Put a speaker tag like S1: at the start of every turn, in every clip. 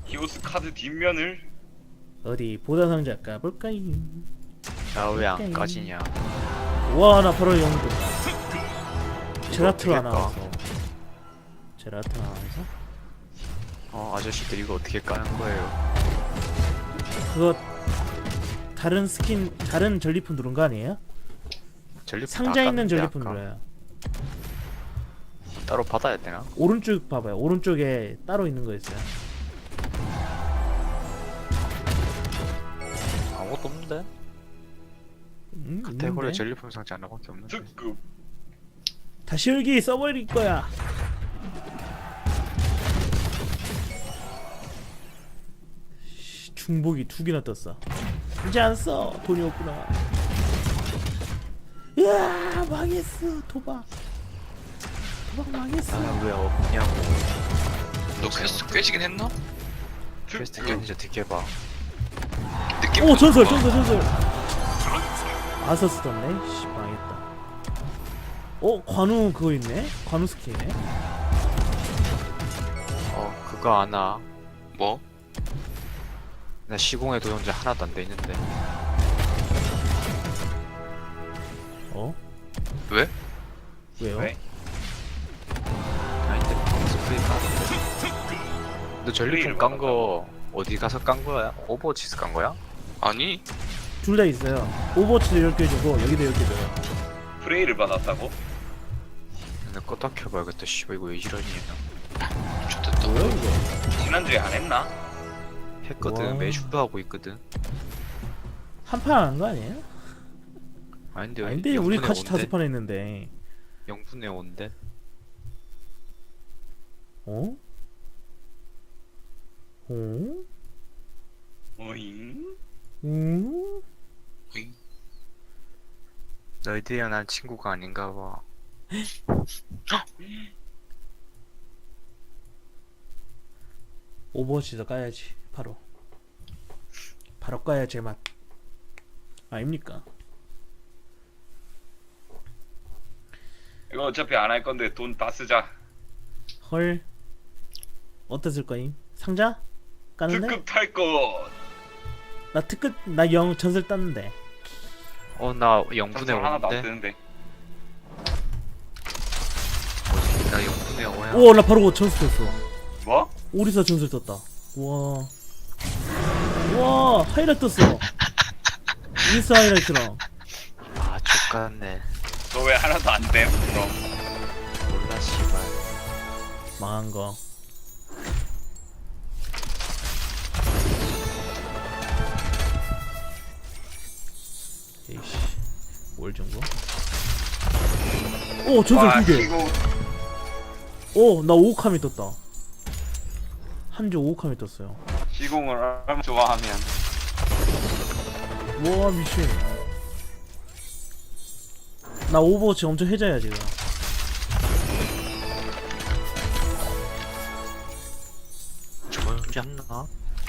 S1: 히오스 카드 뒷면을
S2: 어디 보다 상자 까볼까요?
S3: 나 왜 안 까지냐?
S2: 와, 나 바로 영도. 제라트로
S3: 어떻게
S2: 하나
S3: 까?
S2: 와서. 제라트로 하나 와서.
S3: 아저씨들 이거 어떻게 까는 거예요?
S2: 그거 다른 스킨, 다른 전리품 누른 거 아니에요?
S3: 전리품
S2: 상자
S3: 다
S2: 있는
S3: 깠는데
S2: 전리품
S3: 아까.
S2: 눌러요.
S3: 따로 받아야 되나?
S2: 오른쪽 봐봐요. 오른쪽에 따로 있는 거 있어요.
S3: 아무것도 없는데? 카테고리
S2: 있는데?
S3: 전리품 상자 하나밖에 없는데.
S1: 특급.
S2: 다시 열기 써버릴 거야. 중복이 2개나 떴어. 이제 안 써. 돈이 없구나. 으아, 망했어. 도박 망했어.
S3: 왜 없냐고.
S4: 너 퀘스트 꿰지긴 했나?
S3: 퀘스트
S1: 특급.
S3: 깨는지 어떻게 봐.
S4: 느낌.
S2: 오, 전설. 아서스 떴네. 씨, 망했다. 관우 그거 있네. 관우 스킨이네.
S3: 그거 아나?
S4: 뭐?
S3: 나 시공의 도전자 하나도 안 돼 있는데.
S4: 왜?
S2: 왜요?
S1: 왜?
S3: 아닌데 스프레이 까는데. 너 전리품 깐 거 어디 가서 깐 거야? 오버워치에서 깐 거야?
S4: 아니
S2: 둘 다 있어요. 오버워치도 10개 주고 여기도 10개 줘요.
S1: 프레이를 받았다고?
S3: 나 껐다 켜봐야겠다. 씨발 이거 왜 이러니?
S4: 좋됐다.
S2: 뭐야 이거?
S1: 지난주에 안 했나?
S3: 했거든.
S2: 와.
S3: 매주도 하고 있거든.
S2: 한 판 한 거 아니에요?
S3: 아닌데
S2: 아닌데 우리 같이
S3: 온대?
S2: 5판 했는데.
S3: 0분에 온대.
S2: 어? 어?
S1: 어잉?
S2: 응?
S4: 어잉?
S3: 너희들이랑 난 친구가 아닌가 봐.
S2: 오버워치도 까야지. 바로 까야 제맛. 아닙니까?
S1: 이거 어차피 안 할 건데 돈 다 쓰자.
S2: 헐. 어땠을 거임? 상자? 까는데?
S1: 특급 탈 것.
S2: 나 특급 나 영 전설 땄는데.
S3: 나 0분에
S1: 전설 하나도 안
S3: 오는데?
S1: 뜨는데.
S3: 나 0분에 오야.
S2: 오, 나 바로 전설 떴어.
S1: 뭐?
S2: 오리사 전설 떴다. 와, 하이라이트 떴어. 인스 하이라이트랑.
S3: 족같네.
S1: 너 왜 하나도 안 돼? 그럼.
S3: 몰라 씨발.
S2: 망한 거. 에이씨, 뭘 정도? 오, 전설 2개.
S1: 이거
S2: 오, 나 5칸이 떴다. 한주 5칸이 떴어요.
S1: 시공을 얼마나 좋아하면.
S2: 와, 미친. 나 오버워치 엄청 해자야 지금.
S3: 저번 주에 했나?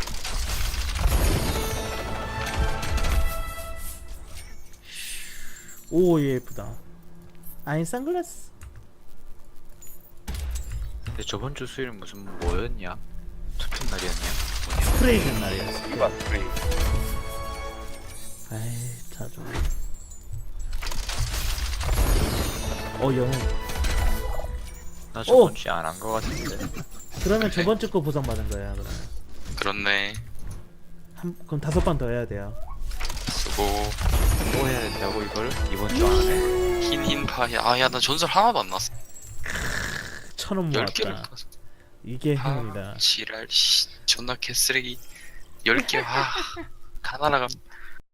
S2: 오, 얘 예쁘다. 아이, 선글라스.
S3: 근데 저번 주 수요일 무슨 뭐였냐? 투표 날이었냐? 뭐냐?
S2: 스프레이 된 날이었어.
S1: 이봐 프레이.
S2: 아이, 자주. 영웅.
S3: 나 저번 주에 안 한 거 같은데.
S2: 그러면 저번 주 거 보상 받은 거야, 그러면.
S4: 그렇네.
S2: 그럼 5번 더 해야 돼요.
S4: 수고.
S3: 뭐 해야 된다고 이걸? 이번 주 안에?
S4: 흰 파이. 아야 나 전설 하나도 안 났어.
S2: 1,000원
S4: 10개를
S2: 모았다.
S4: 깠어.
S2: 이게
S4: 아
S2: 행운이다.
S4: 지랄 씨. 존나 개쓰레기. 10개. 다 날아감.